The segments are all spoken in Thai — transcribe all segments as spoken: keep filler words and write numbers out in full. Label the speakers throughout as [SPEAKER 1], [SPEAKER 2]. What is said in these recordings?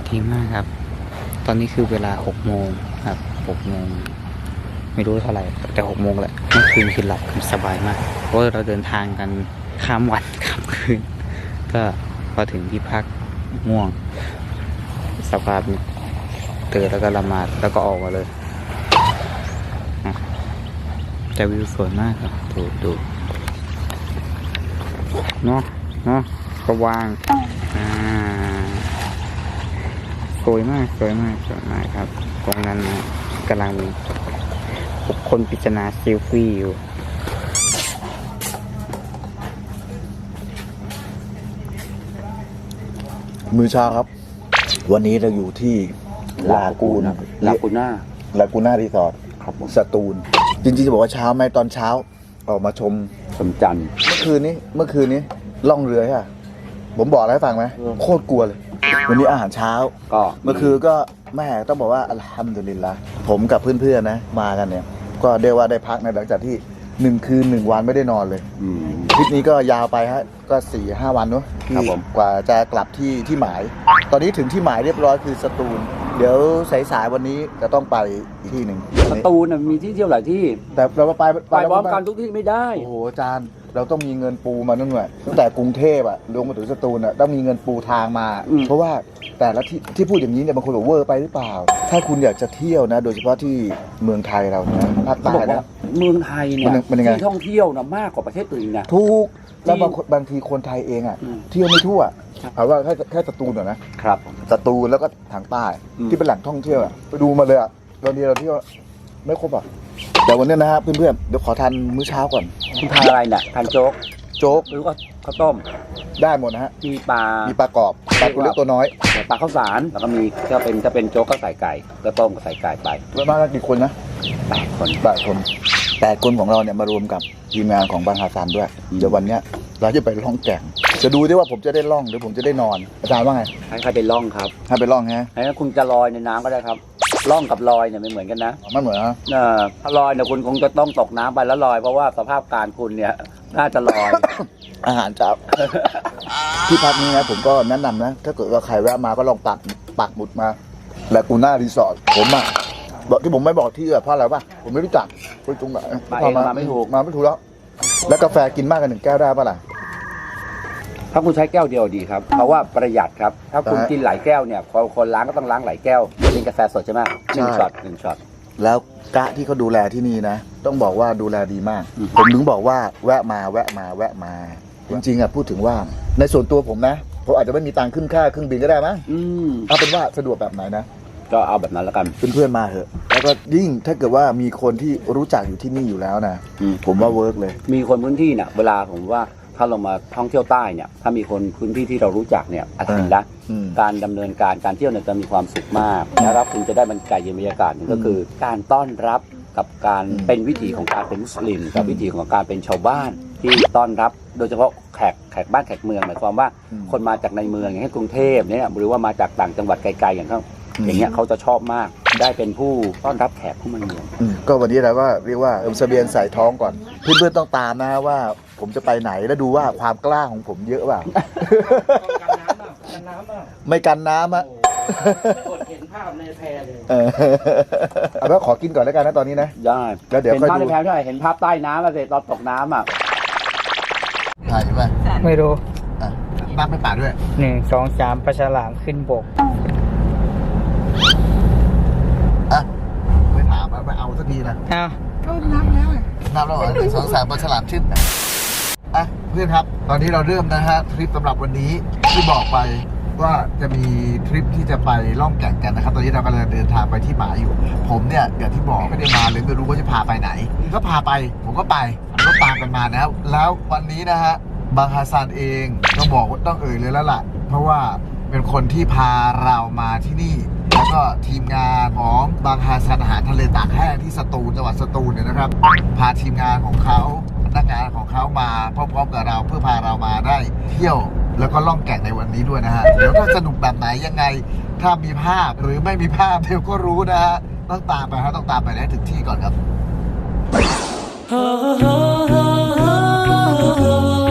[SPEAKER 1] ดีมากครับตอนนี้คือเวลาหกโมงครับหกโมงไม่รู้เท่าไหร่แต่หกโมงแหละเมื่อคืนคือหลับคือสบายมากเพราะเราเดินทางกันข้ามวันข้ามคืนก็พอถึงที่พักง่วงสภาพตื่นแล้วก็ละหมาดแล้วก็ออกมาเลยแต่วิวสวยมากครับดูดูเนาะเนาะก็วางอ่าสวยมากสวยมากสวยมากครับตรงนั้นกำลังบุคคลพิจารณาเซลฟี่อยู่
[SPEAKER 2] มื้อเช้าครับวันนี้เราอยู่ที่ลากูน
[SPEAKER 3] ลากูน่า
[SPEAKER 2] ลากูน่ารีสอร์ท
[SPEAKER 3] ครับผม
[SPEAKER 2] สตูลจริงๆจะบอกว่าเช้าไหมตอนเช้าออกมาชม
[SPEAKER 3] สมจันทร์
[SPEAKER 2] เมื่อคืนนี้เมื่อคืนนี้ล่องเรือใช่ไหมผมบอกอะไรให้ฟังไหมโคตรกลัวเลย วันนี้อาหารเช้า
[SPEAKER 3] ก็
[SPEAKER 2] เมื่อคืนก็แม่ต้องบอกว่าอัลฮัมดุลิลละผมกับเพื่อนๆนะมากันเนี่ยก็เรียกว่าได้พักในหลังจากที่หนึ่งคืนหนึ่งวันไม่ได้นอนเลย
[SPEAKER 3] อืม
[SPEAKER 2] ทริปนี้ก็ยาวไปฮะก็สี่ห้าวันเนาะที่
[SPEAKER 3] ครับผม
[SPEAKER 2] กว่าจะกลับที่ที่หมาย ตอนนี้ถึงที่หมายเรียบร้อยคือสตูล เดี๋ยวสายๆวันนี้จะต้องไปอีกที่หนึ่ง
[SPEAKER 3] สตูลน่ะมีที่เที่ยวหลายที่
[SPEAKER 2] แต่เราไป
[SPEAKER 3] ไปพร้อมกันทุกที่ไม่ได้
[SPEAKER 2] โอ้โหอาจารย์เราต้องมีเงินปูมานั่นหน่อยตั้งแต่กรุงเทพอะลงมาถึงสตูลอะต้องมีเงินปูทางมา
[SPEAKER 3] อืม
[SPEAKER 2] เพราะว่าแต่ละที่ที่พูดอย่างนี้เนี่ยบางคนบอกเวอร์ไปหรือเปล่า ถ้าคุณอยากจะเที่ยวนะ โดยเฉพาะที่เมืองไทยเรานะภาค
[SPEAKER 3] เขา
[SPEAKER 2] ใต้
[SPEAKER 3] บอกว่า
[SPEAKER 2] นะ
[SPEAKER 3] เมืองไทยเนี่ย
[SPEAKER 2] มันมันยังไง
[SPEAKER 3] ที่ท่องเที่ยวนะมากกว่าประเทศอื่นนะ
[SPEAKER 2] ทุกแล้วบางคนบางทีคนไทยเองอะ
[SPEAKER 3] อืม
[SPEAKER 2] เที่ยวไม่ทั่ว
[SPEAKER 3] ครับ
[SPEAKER 2] เอาว่าแค่แค่สตูลก่อนนะครับ สตูลแล้วก็ทางใต้
[SPEAKER 3] อืม
[SPEAKER 2] ที่เป็นแหล่งท่องเที่ยวอะไปดูมาเลยอะตอนนี้เราเที่ยวไม่ครบอะแต่วันนี้นะฮะเพื่อนๆเดี๋ยวขอทานมื้อเช้าก่อน
[SPEAKER 3] คุณทานอะไรเนี่ยทานโจ๊ก
[SPEAKER 2] โจ๊ก
[SPEAKER 3] หรือว่าข้าวต้ม
[SPEAKER 2] ได้หมดนะฮะ
[SPEAKER 3] มีปลา
[SPEAKER 2] มีปลากรอบปลาตัวเล็กตัวน้อย
[SPEAKER 3] ปลาข้าวสารแล้วก็มีถ้าเป็นถ้าเป็นโจ๊กก็ใส่ไก่ก็ต้มก็ใส่ไก่ไป
[SPEAKER 2] แล้วมากันกี่คนนะ
[SPEAKER 3] แปดคน
[SPEAKER 2] แปดคนแปดคนของเราเนี่ยมารวมกับทีมงานของบางฮาซันด้วย
[SPEAKER 3] อืม
[SPEAKER 2] เดี๋ยววันเนี้ยเราจะไปล่องแก่ง จะดูด้วยว่าผมจะได้ล่องหรือผมจะได้นอนอาจารย์ว่าไง
[SPEAKER 3] ให้ใครไปล่องครับ
[SPEAKER 2] ให้ไปล่องฮะ
[SPEAKER 3] ให้คุณจะลอยในน้ำก็ได้ครับล่องกับลอยเนี่ยไม่เหมือนกันนะ
[SPEAKER 2] มันเหมือนนะ
[SPEAKER 3] เออถ้าลอยเนี่ยคุณคงจะต้องตกน้ำไปแล้วลอยเพราะว่าสภาพการคุณเนี่ยน่าจะลอย
[SPEAKER 2] อาหารเช้า ที่พักนี้นะผมก็แนะนำนะ ถ้าเกิดว่าใครแวะมาก็ลองปักปักหมุดมาแลกูน่ารีสอร์ทผมอ่ะบอกที่ผมไม่บอกที่อะเพราะอะไรวะผมไม่รู้จักไปตรงไหน
[SPEAKER 3] มาเองมาไม่ถูก
[SPEAKER 2] มาไม่ถูกแล้ว แล้วกาแฟกินมากกันหนึ่งแก้วได้ปะล่ะ
[SPEAKER 3] ถ้าคุณใช้แก้วเดียวดีครับเพราะว่าประหยัดครับ ถ้าคุณ
[SPEAKER 2] อ่า
[SPEAKER 3] กินหลายแก้วเนี่ยคนคนล้างก็ต้องล้างหลายแก้วกินกาแฟสดใช่ไหมหนึ่ง
[SPEAKER 2] ใช่
[SPEAKER 3] ช็อตหนึ่งช็อต
[SPEAKER 2] แล้วกะที่เขาดูแลที่นี่นะ ต้องบอกว่าดูแลดีมาก
[SPEAKER 3] อืม
[SPEAKER 2] ผมถึงบอกว่าแวะมาแวะมาแวะมา จริงๆอ่ะพูดถึงว่าในส่วนตัวผมนะผมอาจจะไม่มีตังค์ขึ้นค่าเครื่องบินก็ได้มั้ง
[SPEAKER 3] อืม
[SPEAKER 2] เอาเป็นว่าสะดวกแบบไหนนะ
[SPEAKER 3] ก็เอาแบบนั้นแล้วกัน
[SPEAKER 2] เพื่อนๆมาเถอะ แล้วก็ยิ่งถ้าเกิดว่ามีคนที่รู้จักอยู่ที่นี่อยู่แล้วนะ
[SPEAKER 3] อืม
[SPEAKER 2] ผมว่าเวิร์กเลย
[SPEAKER 3] มีคนพื้นที่เนี่ยเวลาผมว่าถ้าเรามาท่องเที่ยวใต้เนี่ยถ้ามีคนพื้นที่ที่เรารู้จักเนี่ยอัลฮัมดุลิลละห์
[SPEAKER 2] อืม
[SPEAKER 3] การดำเนินการการเที่ยวเนี่ยจะมีความสุขมากแล้วคุณจะได้บรรยากาศเย็นบรรยากาศหนึ่งก็คือ การต้อนรับกับการ
[SPEAKER 2] อืม
[SPEAKER 3] เป็นวิถีของการเป็นมุสลิมกับ
[SPEAKER 2] อืม
[SPEAKER 3] วิถีของการเป็นชาวบ้านที่ต้อนรับโดยเฉพาะแขกแขกบ้านแขกเมืองหมายความว่า
[SPEAKER 2] อืม
[SPEAKER 3] คนมาจากในเมืองอย่างเช่นกรุงเทพเนี่ยหรือว่ามาจากต่างจังหวัดไกลๆอย่างเขา
[SPEAKER 2] อืม
[SPEAKER 3] อย่างเงี้ยเขาจะชอบมากได้เป็นผู้ต้อนรับแขกผู้มาเยือน
[SPEAKER 2] อืมก็วันนี้เราก็เรียกว่าเอิมเสบียงใส่ท้องก่อน เพื่อนๆต้องตามนะว่า ผมจะไปไหนแล้วดูว่าความกล้าของผมเยอะเปล่า
[SPEAKER 4] กันน้ำอ่ะกันน้ำอ่ะ
[SPEAKER 2] ไม่กันน้ำอะ
[SPEAKER 4] กดเห็นภาพในแพรเลย
[SPEAKER 2] เออเอาแล้วขอกินก่อนแล้วกันนะตอนนี้นะ
[SPEAKER 3] ได้
[SPEAKER 2] แล้วเดี๋ยว
[SPEAKER 3] เห็น
[SPEAKER 2] ค่อย
[SPEAKER 3] ภาพ
[SPEAKER 2] ดู
[SPEAKER 3] ในแพรด้วยเห็นภาพใต้น้ำแล้วเสร็จตอนตกน้ำอ่ะ
[SPEAKER 2] ถ่ายไป
[SPEAKER 1] ไม่รู้
[SPEAKER 2] อ่ะบ้างไม่ป่าด้วย
[SPEAKER 1] หนึ่งสองสามปลาฉลามขึ้นบก
[SPEAKER 2] อ่ะไม่ถามอ่ะไม่เอาสักทีนะ
[SPEAKER 1] อ้าว
[SPEAKER 2] ก็นับแล้วไงนับแล้วเหรอหนึ่งสองสามปลาฉลามชื่นอ่ะเพื่อนครับ ตอนนี้เราเริ่มนะฮะทริปสำหรับวันนี้ที่บอกไปว่าจะมีทริปที่จะไปล่องแก่งกันนะครับ ตอนนี้เรากำลังเดินทางไปที่หมายอยู่ ผมเนี่ยอย่างที่บอกไม่ได้มาเลยไม่รู้ว่าจะพาไปไหน ก็พาไปผมก็ไปผมก็ตามกันมานะครับแล้ววันนี้นะฮะบางฮาซานเองต้องบอกว่าต้องเอ่ยเลยแล้วล่ะ เพราะว่าเป็นคนที่พาเรามาที่นี่ แล้วก็ทีมงานของบางฮาซานอาหารทะเลตากแห้งที่สตูลจังหวัดสตูลเนี่ยนะครับ พาทีมงานของเขาพนักงานของเขามาพร้อมๆกับเราเพื่อพาเรามาได้เที่ยวแล้วก็ล่องแก่งในวันนี้ด้วยนะฮะเดี๋ยวถ้าสนุกแบบไหนยังไง ถ้ามีภาพหรือไม่มีภาพเดี๋ยวก็รู้นะฮะต้องตามไปฮะต้องตามไปให้ถึงที่ก่อนครับ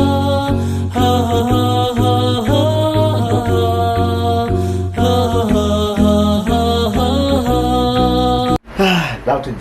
[SPEAKER 4] Oh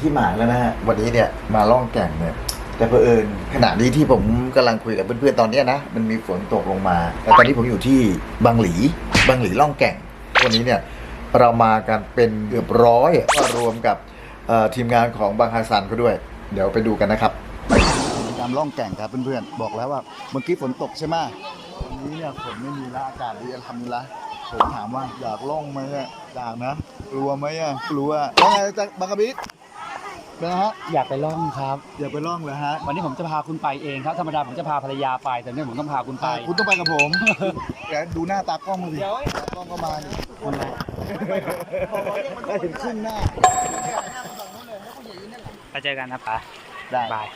[SPEAKER 2] ที่หมายแล้วนะฮะวันนี้เนี่ยมาล่องแก่งเนี่ยแต่เผอิญขณะนี้ที่ผมกำลังคุยกับเพื่อนๆตอนเนี้ยนะมันมีฝนตกลงมาแต่ตอนนี้ผมอยู่ที่บางหลีบางหลีล่องแก่งวันนี้เนี่ยเรามากันเป็นเกือบร้อยก็รวมกับเอ่อทีมงานของบางฮัสซันเขาด้วยเดี๋ยวไปดูกันนะครับการล่องแก่งครับเพื่อนๆบอกแล้วว่าเมื่อกี้ฝนตกใช่ไหมวันนี้เนี่ยฝนไม่มีแล้วอากาศดีอัลฮัมดุลิลละห์ผมถามว่าอยากล่องไหมอ่ะอยากนะกลัวไหมอ่ะกลัวว่าไงจ๊ะบางกะบิดเป็นไงฮะ
[SPEAKER 5] อยากไปล่องครับ
[SPEAKER 2] อยากไปล่องเลยฮะ
[SPEAKER 5] วันนี้ผมจะพาคุณไปเองครับ ธรรมดาผมจะพาภรรยาไป แต่เนี่ยผมต้องพาคุณไป
[SPEAKER 2] คุณต้องไปกับผม เดี๋ยวดูหน้าตากล้องมาสิตากล้องก็มาดิ
[SPEAKER 5] คนละ
[SPEAKER 2] ได้เห็นครึ่งหน้า
[SPEAKER 5] ไปเจอกันนะป๋า
[SPEAKER 2] ได้
[SPEAKER 5] บาย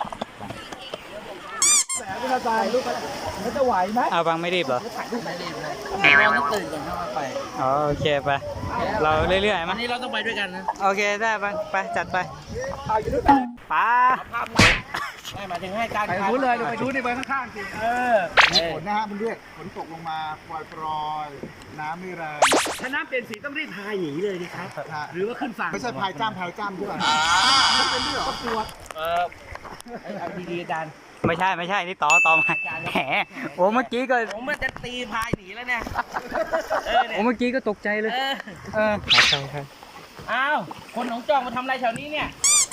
[SPEAKER 2] คุณตายลูกมันจะไหวไหม
[SPEAKER 5] เอาบังไม่รีบเหรอ
[SPEAKER 4] ไม่ต้องตื่นก่อนเข้ามาไป
[SPEAKER 5] อ๋อโอเคไป เราเรื่อยๆ
[SPEAKER 4] วั
[SPEAKER 5] มั้
[SPEAKER 4] น
[SPEAKER 5] ย
[SPEAKER 4] นี้เราต้องไปด้วยกันนะ
[SPEAKER 5] โอเคได้บังไปจัดไปป๋า
[SPEAKER 4] ภาพไม่หมายถึงให้การ
[SPEAKER 2] ไปรู้เลยเดี๋ยวไปดูในใบข้างๆสิ
[SPEAKER 4] เออ
[SPEAKER 2] มีฝนนะฮะมันด้วยฝนตกลงมาปล่อยปลอยๆน้ำไม่แรง
[SPEAKER 4] ถ้าน้ำเป็นสีต้องรีบพายหนีเลยดิครับ หรือว่าขึ้นฝั่ง
[SPEAKER 2] ไม่ใช่พายจ้ามพายจ้ามด้วยไม่เป็นด้วยเหรอ
[SPEAKER 4] เออเอาดีๆอาจารย์
[SPEAKER 5] ไม่ใช่ไม่ใช่นี่ต่อต่อมาแหมโอ้เมื่อกี้ก็
[SPEAKER 4] ผมมันจะตีพายหนีแล้วเนี่ย เออเนี่ย
[SPEAKER 5] โอ้เมื่อกี้ก็ตกใจเลย
[SPEAKER 4] เออ
[SPEAKER 5] เออใช่ครับ
[SPEAKER 4] อ้าว คนหนองจอกมาทำอะไรแถวนี้เนี่ย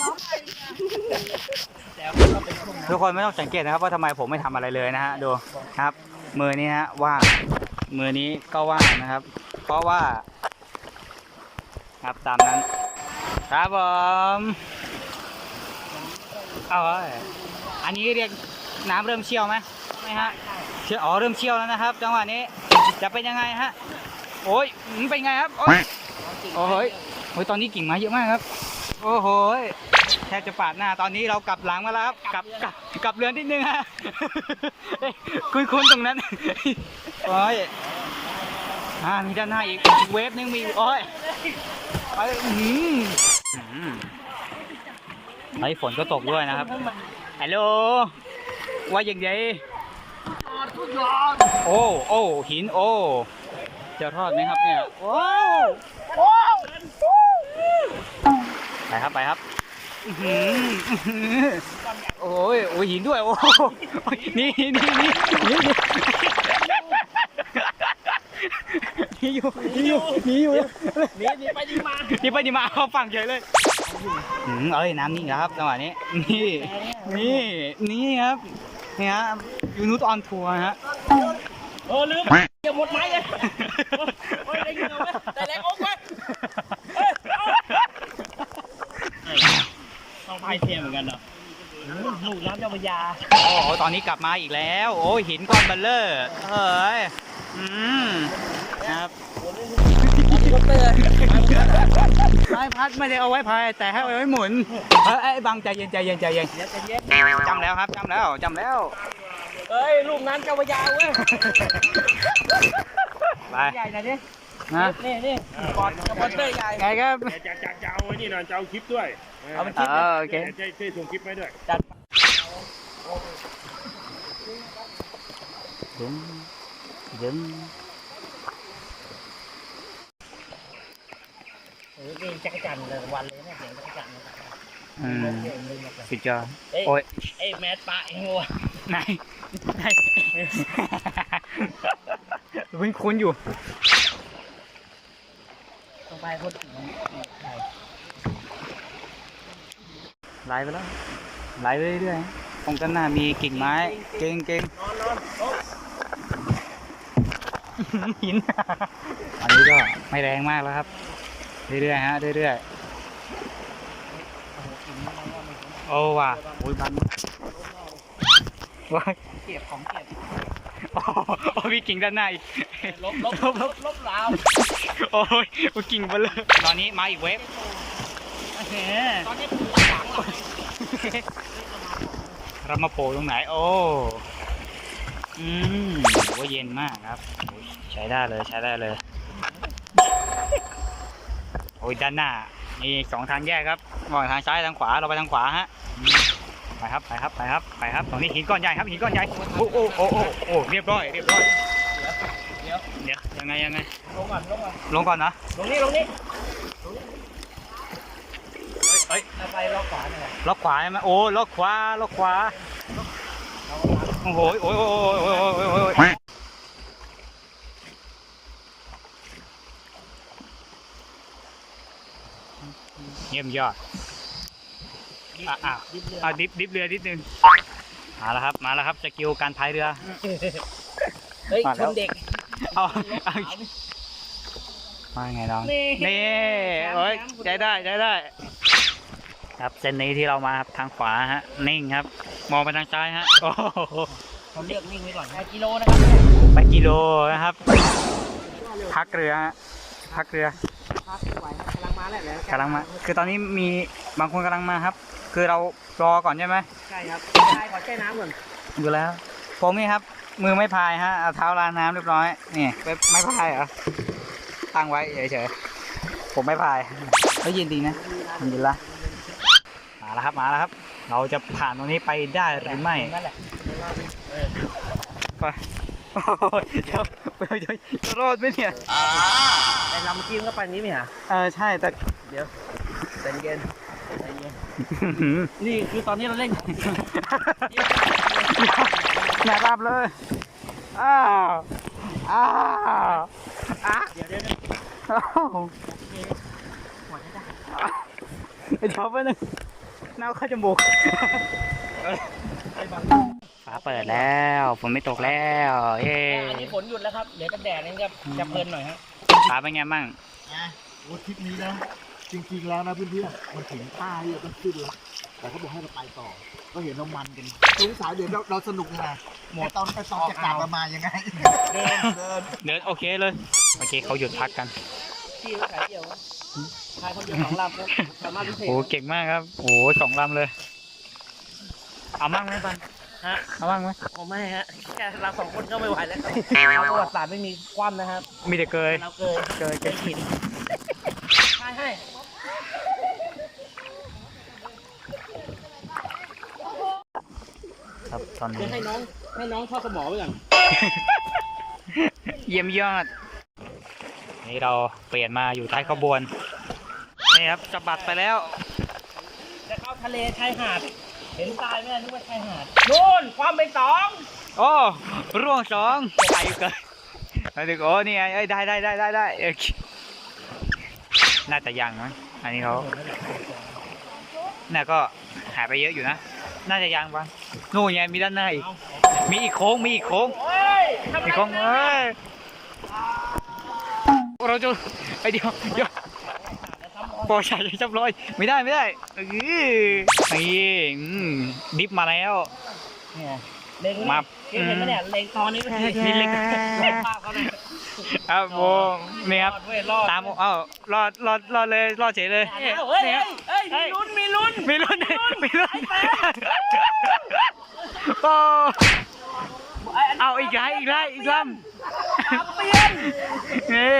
[SPEAKER 4] แต่ก็เป็นช่วง
[SPEAKER 5] ทุกคนไม่ต้องสังเกตนะครับว่าทำไมผมไม่ทำอะไรเลยนะฮะดูครับ มือนี้ฮะว่างมือนี้ก็ว่างนะครับ เพราะว่าครับตามนั้นครับผมเอาไว้อันนี้เรียกน้ำเริ่มเชี่ยวไหมไม่ฮะเชี่ยวอ๋อเริ่มเชี่ยวแล้วนะครับ จังหวะนี้จะเป็นยังไงฮะโอ้ยอืมเป็นไงครับโอ้ยโอ้โหยโอ้ยตอนนี้กิ่งไม้เยอะมากครับ โอ้โหยแทบจะปาดหน้าตอนนี้เรากลับหลังมาแล้วครับกลับกลับกลับเรือนนิดนึงฮะคุ้นคุ้นๆตรงนั้นโอ้ยอ่ามีด้านหน้าอีกอีกเวฟนึงมีโอ้ยไปอืมอืมไอ้ฝนก็ตกด้วยนะครับฮัลโหลว่าอย่างไรโอ้โอ้หินโอ้จะรอดไหมครับเนี่ยว้าวไปครับไปครับอื้อหืออื้อหือโอ้ยโอ้ยหินด้วยโอ้ยนี่นี่นี่นี่นี่อยู่นี่อยู่นี่อยู่
[SPEAKER 4] หนีหนีไปดีมา
[SPEAKER 5] นี่ไปนี่มาเข้าฝั่งเฉยเลยอืมเอ้ยน้ำนิ่งแล้วครับจังหวะนี้นี่นี่นี่ครับนี่ฮะยูนุสออนทัวร์ฮะ
[SPEAKER 4] เออลืมเกี่ยวหมดไม้เลยโอ้ยได้ยินไหมแต่แรงอกไหมต้องพายเทียมเหมือนกันเนาะหนูน้ำเจ้าพระยา
[SPEAKER 5] โอ้โหตอนนี้กลับมาอีกแล้วโอ้ยหินก้อนเบลเลอร์เฮ้ยอืมครับพายพัดไม่ได้เอาไว้พายแต่ให้เอาไว้หมุนเอ้ยไอ้บังใจเย็นใจเย็นใจเย็นจำแล้วครับจำแล้วจำแล้ว
[SPEAKER 4] เอ้ยลูกน้ำเจ้าพระยาเว้ย
[SPEAKER 5] ไป
[SPEAKER 4] ใหญ่หน่อยดิ
[SPEAKER 5] นะ
[SPEAKER 4] นี่นี่บอลกับบอลเตอร์ใหญ่
[SPEAKER 5] ไงครับ
[SPEAKER 6] จะจะจะเอาไอ้นี่หน่อยจะเอาคลิปด้วย
[SPEAKER 4] เอามัน
[SPEAKER 5] เอ
[SPEAKER 4] คิด
[SPEAKER 5] อโอเค
[SPEAKER 6] จะช่วยส่งคลิปไว้ด้วย
[SPEAKER 4] จัด
[SPEAKER 5] ดึงดึง
[SPEAKER 4] เออนี่จักรจันทร์เลยวันเลยเนี่ยเสียงจักรจันทร์
[SPEAKER 5] อืมสุดยอด
[SPEAKER 4] เอ้ย
[SPEAKER 5] โอ้ย
[SPEAKER 4] เอ้ยแมสปะเองวะ
[SPEAKER 5] ไหนไหนคุ้นคุ้นๆอยู่
[SPEAKER 4] ต้องไปคน
[SPEAKER 5] ไหลไปแล้วไหลไปเรื่อยๆตรงด้านหน้ามีกิ่งไม้เก่งเก่งหิน อันนี้ก็ไม่แรงมากแล้วครับ เรื่อยๆฮะเรื่อยๆโอ้ว่ะโอ้ยบันว้าย
[SPEAKER 4] เก็บของเก็บ
[SPEAKER 5] โอ้โอ้มีกิ่งด้านหน้าอีก
[SPEAKER 4] ลบลบลบลบลบราว
[SPEAKER 5] โอ้ยโอ้กิ่งไปเลยตอนนี้มาอีกเวฟเฮ้
[SPEAKER 4] ตอนนี้ปวดหลังหลัง
[SPEAKER 5] เรามาโผล่ตรงไหนโอ้อืมโอ้เย็นมากครับโอ้ยใช้ได้เลยใช้ได้เลยโอ้ยด้านหน้ามีสองทางแยกครับมองทางซ้ายทางขวาเราไปทางขวาฮะไปครับไปครับไปครับไปครับตรงนี้หินก้อนใหญ่ครับหินก้อนใหญ่โอ้โอ้โอ้โอ้โอ้เรียบร้อยเรียบร้อย
[SPEAKER 4] เดี๋ยว
[SPEAKER 5] เดี๋ยวยังไงยังไง
[SPEAKER 4] ลงก่อนลงก่อน
[SPEAKER 5] ลงก่อนนะ
[SPEAKER 4] ลงนี่ลงนี่
[SPEAKER 5] เอ้ย
[SPEAKER 4] ไปล็อกขวาหน่อย
[SPEAKER 5] ล็อกขวาใช่ไหมโอ้ล็อกขวาล็อกขวาโอ้โหโอ้ยโอ้ยโอ้ยโอ้ยโอ้ยโอ้ยโอ้ยเยี่ยมยอดอ่ะอ่ะอ่ะดิฟดิฟเรือนิดนึงมาแล้วครับมาแล้วครับสกิลการพายเรือ
[SPEAKER 4] เฮ้ย
[SPEAKER 5] มา
[SPEAKER 4] ช
[SPEAKER 5] แล้ว
[SPEAKER 4] นเด็ก
[SPEAKER 5] เอาเอามาไงน้อง
[SPEAKER 4] นี่
[SPEAKER 5] นี่โอ้ยใจได้ใจได้ ครับเส้นนี้ที่เรามาครับทางขวาฮะนิ่งครับ มองไปทางซ้ายฮะโอ้โห
[SPEAKER 4] เขาเลือกนิ่งไว้ก่อนแปดกิโลนะครับ
[SPEAKER 5] ไปกิโลนะครับ พักเรือฮะพักเรือ
[SPEAKER 4] พักไหวกำลังมาแล้วแหละ
[SPEAKER 5] กำลังมาคือตอนนี้มีบางคนกำลังมาครับ คือเรารอก่อนใช่ไหม
[SPEAKER 4] ใช่ครับใช่ขอแช่น้ำก่อน
[SPEAKER 5] อยู่แล้วผมนี่ครับ มือไม่พายฮะเอาเท้าล้างน้ำเรียบร้อยนี่ไม่ไม่พายเหรอตั้งไว้เฉยๆผมไม่พายเขายินดีนะยินละมาแล้วครับมาแล้วครับ เราจะผ่านตรงนี้ไปได้หรือไม่
[SPEAKER 4] นั่นแหละ
[SPEAKER 5] ไปโอ้ยเดี๋ยวเดี๋ยวจะรอดไหมเนี่ย
[SPEAKER 4] แต่ลำเมื่อกี้มันก็ไปนี้ไม่หรอ
[SPEAKER 5] เออใช่แต่
[SPEAKER 4] เดี๋ยวใจเย็นใจเย็นนี่คือตอนนี้เราเล่น
[SPEAKER 5] แหนรับเลยอ้าวอ้าวอ้า
[SPEAKER 4] เดี๋ยวเดี๋ยว
[SPEAKER 5] อ้าวเดี๋ยวไปหนึ่งน้าเข้าจมูกฟ้าเปิดแล้วฝนไม่ตกแล้วเย้
[SPEAKER 4] อันนี้ฝนหยุดแล้วครับเดี๋ยวจะแดดนี่จะจะเพลินหน่อยฮะ
[SPEAKER 5] ฟ้าเป็นไงบ้าง
[SPEAKER 2] นะโอ้ทริปนี้นะ จริงๆแล้วนะเพื่อนๆมันถึงท่าที่จะต้องขึ้นแล้วแต่เขาบอกให้เราไปต่อ ก็เห็นเรามันกันสงสัยเดี๋ยวเราเราสนุกยังไงหมดตอนไปตอนจะกลับมามายังไง
[SPEAKER 4] เดิน
[SPEAKER 2] เดิน
[SPEAKER 5] เดินโอเคเลยโอเคเขาหยุดพักกัน
[SPEAKER 4] ที่เขาขายเดี่ยวขายคนเดียวสองลำครับสามารถพิเศษ
[SPEAKER 5] โอ้เก่งมากครับโอ้สองลำเลย เอามั่งไหมปัน
[SPEAKER 4] ฮะ
[SPEAKER 5] เอามั่งไหม
[SPEAKER 4] ผมไม่ฮะแค่เราสองคนก็ไม่ไหวแล้วครับเราประวัติศาสตร์ไม่มีคว่ำนะครับ
[SPEAKER 5] มีแต่เกย
[SPEAKER 4] เราเกย
[SPEAKER 5] เกย
[SPEAKER 4] เกยหินใช่ให้
[SPEAKER 5] ครับตอน
[SPEAKER 4] เดี๋
[SPEAKER 5] นี้
[SPEAKER 4] ยวให้น้องให้น้องทอดสมอไว้ก่อน
[SPEAKER 5] เยี่ยมยอด นี่เราเปลี่ยนมาอยู่ท้ายขบวน นี่ครับจะบัดไปแล้ว
[SPEAKER 4] จะเข้าทะเลชายหาด เห็นทรายไหมนึกว่าชายหาดนู่นความเป็นสอง
[SPEAKER 5] โอ้ร่วงสองไปเกินแล้วดึกโอ้นี่ไงเอ้ยได้ได้ได้ได้ได้โอเคน่าจะยังมั้งอันนี้เขาน่าก็หายไปเยอะอยู่นะ น่าจะยังบ้างนู่นไงมีด้านหน้าอีก มีอีกโค้งมีอีกโค้ง
[SPEAKER 4] เฮ้ยทำ
[SPEAKER 5] อีก
[SPEAKER 4] ไร
[SPEAKER 5] โค้ง
[SPEAKER 4] นะ
[SPEAKER 5] เอ้ยเราจะไอเดียวเดี๋ยวปอชายจับร้อยไม่ได้ไม่ได้เออนี่อืมดิฟมาแล้ว
[SPEAKER 4] เนี่ยเล็ง
[SPEAKER 5] มา
[SPEAKER 4] เห็นไหมเนี่ยเล็งตอนนี้ไม่เห็น
[SPEAKER 5] นี่เล็ง
[SPEAKER 4] เล็งภาพเขาเลย
[SPEAKER 5] ครับโบนี่ครับ
[SPEAKER 4] รอดเว้ยรอด
[SPEAKER 5] ตามเอ้ารอดรอดรอดเลยรอดเฉยเลย
[SPEAKER 4] เฮ้ยเฮ้ย
[SPEAKER 5] นี่ครับ
[SPEAKER 4] เฮ้ยมีลุ้นมีลุ้น
[SPEAKER 5] มีลุ้นมีลุ้นโอ้เอาอีกไลอีกไลอีกล
[SPEAKER 4] ตามเปลี่ยน
[SPEAKER 5] ำนี่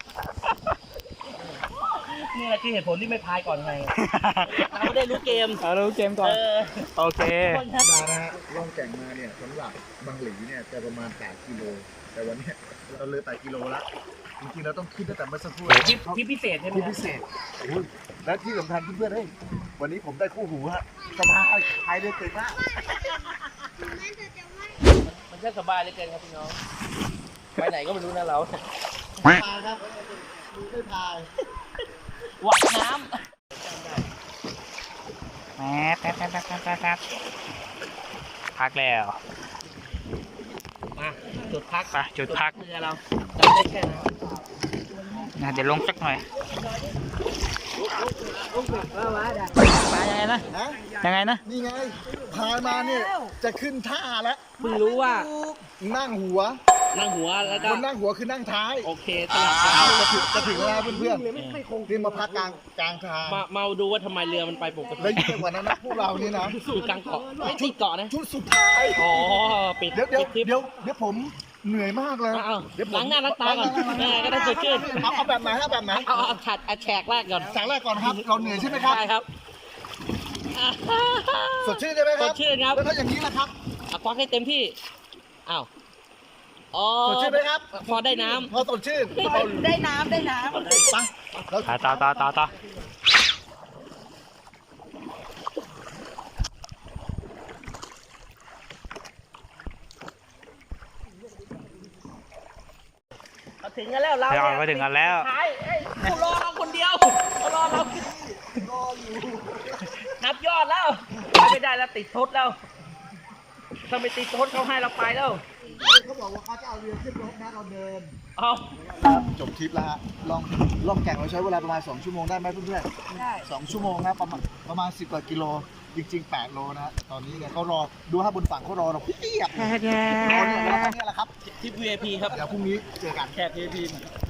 [SPEAKER 4] นี่แหละคือเหตุผลที่ไม่พายก่อนไงเราไม่ได้รู้เกม
[SPEAKER 5] เอารู้เกมก่อน
[SPEAKER 4] เออ
[SPEAKER 5] โอเค
[SPEAKER 4] คนครับ
[SPEAKER 2] มานะฮะล่องแก่งมาเนี่ยสำหรับบางหลีเนี่ยจะประมาณแปดกิโล แต่วันเนี้ยเราเลยแปดกิโลละจริงๆเราต้องขึ้นตั้งแต่เมื่อสักครู่
[SPEAKER 4] ทริปทริปพิเศษใช่ไหม
[SPEAKER 2] ที่
[SPEAKER 4] ครับ
[SPEAKER 2] พิเศษโอ้ยและที่สำคัญเพื่อนๆเฮ้ยวันนี้ผมได้คู่หูฮะสบายพายเรือเก่งมาก
[SPEAKER 4] มันแค่สบายเหลยเกินครับพี่น้องไปไหนก็ไม่รู้นะเรา
[SPEAKER 2] พายครับดูได้พาย
[SPEAKER 4] หวัดน้
[SPEAKER 5] แป๊บแป๊บแป๊บแป๊บแป๊บแป๊บแป๊บพักแล้ว
[SPEAKER 4] ำมาจุดพัก
[SPEAKER 5] ไปจุดพัก
[SPEAKER 4] เรือเราจำได้แค่นั้น
[SPEAKER 5] นะเดี๋ยวลงสักหน่อย
[SPEAKER 4] มายังไงนะ
[SPEAKER 2] นะ
[SPEAKER 5] ยังไงนะ
[SPEAKER 2] นี่ไงพายมาเนี่ยจะขึ้นท่าแล้ว
[SPEAKER 4] เพิ่งรู้ว่า
[SPEAKER 2] นั่งหัว
[SPEAKER 4] นั่งหัวแล้วก็
[SPEAKER 2] คนนั่งหัวคือนั่งท้าย
[SPEAKER 4] โอเคสลับกัน
[SPEAKER 2] จะถึงจะถึงแล้วเพื่อนๆนี่มาพักกลางกลางทาง
[SPEAKER 4] มามาดูว่าทำไมเรือมันไปปกติ
[SPEAKER 2] แล้วยิ่งไปกว่านั้นนะพวกเรานี่นะ
[SPEAKER 4] อยู่กลางเกาะไม่ติดเกาะนะ
[SPEAKER 2] ชุดสุดท้าย
[SPEAKER 4] อ๋อปิด
[SPEAKER 2] เดี๋ยวเดี๋ยว
[SPEAKER 4] ปิดทริป
[SPEAKER 2] เดี๋ยวเดี๋ยวผมเหนื่อยมากเลย
[SPEAKER 4] เอา
[SPEAKER 2] เดี๋ยวผม
[SPEAKER 4] ล้างหน้าล้างตาก่อนแม่ก็ได้สดชื่น
[SPEAKER 2] เอาเอาแบบไหนเอาแบบไหน
[SPEAKER 4] เอาเอาฉัดเอาแฉกแรกก่อน
[SPEAKER 2] จากแรกก่อนครับ เราเหนื่อยใช่ไหมครับ
[SPEAKER 4] ได้ครับ
[SPEAKER 2] สดชื่นใช่ไหมครับ
[SPEAKER 4] สดชื่นครับ
[SPEAKER 2] แล้วถ้าอย่างนี้นะครับ
[SPEAKER 4] เอาควักให้เต็มที่อ้าวอ๋อ
[SPEAKER 2] สดชื่นไหมครับ
[SPEAKER 4] พอได้น้
[SPEAKER 2] พอสดชื่น
[SPEAKER 4] ำได้น้ำได้น้ำ
[SPEAKER 2] ไปแล้ว
[SPEAKER 5] ต่อต่อต่อต่อต่อ
[SPEAKER 4] ถึงกันแล้วเรา
[SPEAKER 5] ไปเอาไปถึงกันแล้ว
[SPEAKER 4] ท้ายเอ้ยกูรอเราคนเดียวเขารอเรารออยู่นับยอดแล้วไปไม่ได้แล้วติดทดแล้วถ้าไม่ติดทดเขาให้เราไปแล้ว
[SPEAKER 2] เขาบอกว่าเขาจะเอาเรือขึ้นรถนะเราเดิน
[SPEAKER 4] เอา
[SPEAKER 2] ครับจบทริปแล้วฮะลองล่องแก่งเราใช้เวลาประมาณสองชั่วโมงได้ไหมเพื่อนๆได้สองชั่วโมงนะประมาณประมาณสิบกว่ากิโลจริงๆแปดโลนะฮะตอนนี้เนี่ยเขารอดูฮะบนฝั่งเขารอเราเพียบรอเนี่ยแล้วก็เนี่ยแหละครับ
[SPEAKER 4] ที่ วี ไอ พี ครับ
[SPEAKER 2] เดี๋ยวพรุ่งนี้เจอกัน
[SPEAKER 4] แขก วี ไอ พี